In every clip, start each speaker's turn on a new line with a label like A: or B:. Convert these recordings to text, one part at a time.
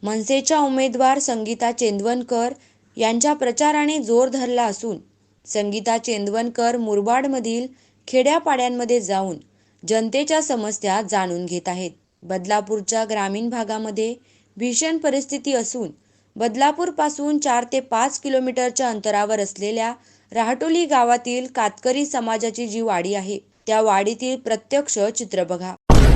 A: मनसेच्या उमेदवार संगीता चेंदवनकर यांच्या प्रचाराने जोर धरला असून संगीता चेंदवनकर मुरबाडमधील खेड्यापाड्यांमध्ये जाऊन जनतेच्या समस्या जाणून घेत आहेत. बदलापूरच्या ग्रामीण भागामध्ये भीषण परिस्थिती असून बदलापूरपासून 4 ते 5 किलोमीटरच्या अंतरावर असलेल्या राहटोली गावातील कातकरी समाजाची जी वाडी आहे त्या वाडीतील प्रत्यक्ष चित्र बघा.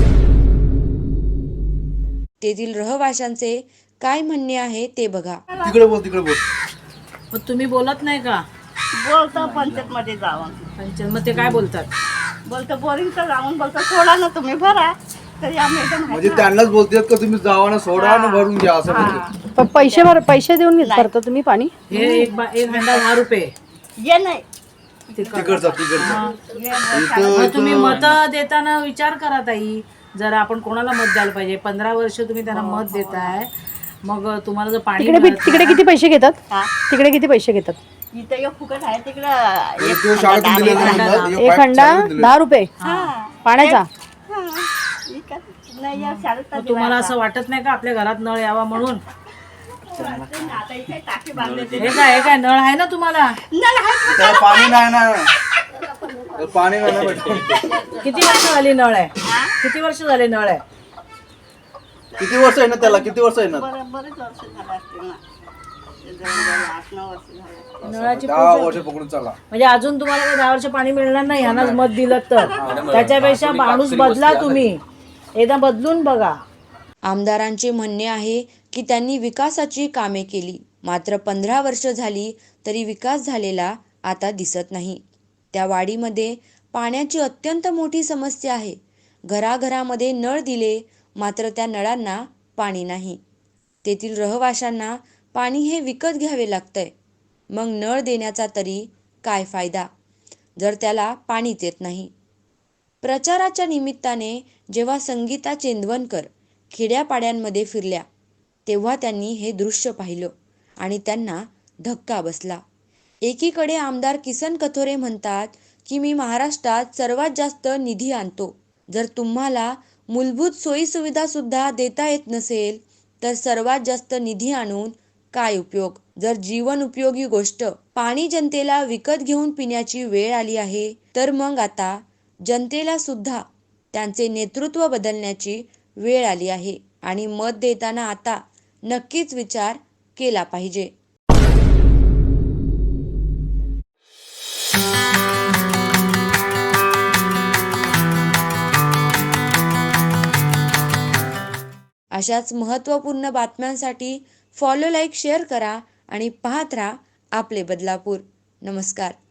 A: तेथील रहिवाशांचे काय म्हणणे आहे ते बघा.
B: तिकडे बोल.
C: मग तुम्ही बोलत नाही का?
D: बोलतो पंचायत मध्ये जाऊन.
C: पंचायत मग ते काय बोलतात?
D: बोलतो बोरिंगचं जाऊन बोलतो सोडा ना तुम्ही भरा. तरी आम्ही एकदम
B: म्हणजे त्यांनाच बोलतात का तुम्ही जावा ना सोडा ना भरून घ्या असं म्हणते.
E: पैसे देऊन भरता तुम्ही पाणी?
C: हे एक हंडा 10 रुपये.
D: ये नाही
B: तिकडचा
C: मग तुम्ही मत देताना विचार करा ताई. जर आपण कोणाला मत द्यायला पाहिजे, 15 वर्ष तुम्ही त्यांना मत देताय, मग तुम्हाला जर पाणी
E: तिकडे किती पैसे घेतात? तिकडे किती पैसे घेतात?
D: इथं एक फुकट आहे तिकडं
B: शाळेतून दिलेलं
E: एक हंडा 10 रुपये पाण्याचा.
D: नाही या शाळेत
C: मग तुम्हाला असं वाटत नाही का आपल्या घरात नळ यावा म्हणून?
D: आता इथे टाकी बांधले.
C: हे काय नळ आहे ना तुम्हाला?
B: त्याला पाणी नाही ना, पाणी नाही भेटत.
C: किती वर्ष झाली नळ आहे? किती वर्ष झाले नळ आहे?
B: किती वर्ष आहे ना त्याला? किती वर्ष आहे ना?
D: बरेच वर्ष झाले असतील ना. जवळजवळ 8-9 वर्ष झाले.
C: नळाची
B: 10 वर्ष पकडून चला.
C: म्हणजे अजून तुम्हाला काही 10 वर्ष पाणी मिळणार नाही ह्यांनाच मत दिलं तर. त्याच्यापेक्षा माणूस बदला, तुम्ही एकदा बदलून बघा.
A: आमदारांचे म्हणणे आहे की त्यांनी विकासाची कामे केली, मात्र 15 वर्ष झाली तरी विकास झालेला आता दिसत नाही. त्या वाडीमध्ये पाण्याची अत्यंत मोठी समस्या आहे. घराघरामध्ये नळ दिले, मात्र त्या नळांना पाणी नाही. तेथील रहिवाशांना पाणी हे विकत घ्यावे लागतंय. मग नळ देण्याचा तरी काय फायदा जर त्याला पाणीच येत नाही. प्रचाराच्या निमित्ताने जेव्हा संगीता चेंदवनकर खेड्यापाड्यांमध्ये फिरल्या तेव्हा त्यांनी हे दृश्य पाहिलं आणि त्यांना धक्का बसला. एकीकडे आमदार किसन कथोरे म्हणतात की मी महाराष्ट्रात सर्वात जास्त निधी आणतो. जर तुम्हाला मूलभूत सोयीसुविधा सुद्धा देता येत नसेल तर सर्वात जास्त निधी आणून काय उपयोग? जर जीवन उपयोगी गोष्ट पाणी जनतेला विकत घेऊन पिण्याची वेळ आली आहे तर मग आता जनतेला सुद्धा त्यांचे नेतृत्व बदलण्याची वेळ आली आहे आणि मत देताना आता नक्कीच विचार केला पाहिजे. अशाच महत्त्वपूर्ण बातम्यांसाठी फॉलो, लाईक, शेअर करा आणि पाहत राहा आपले बदलापूर. नमस्कार.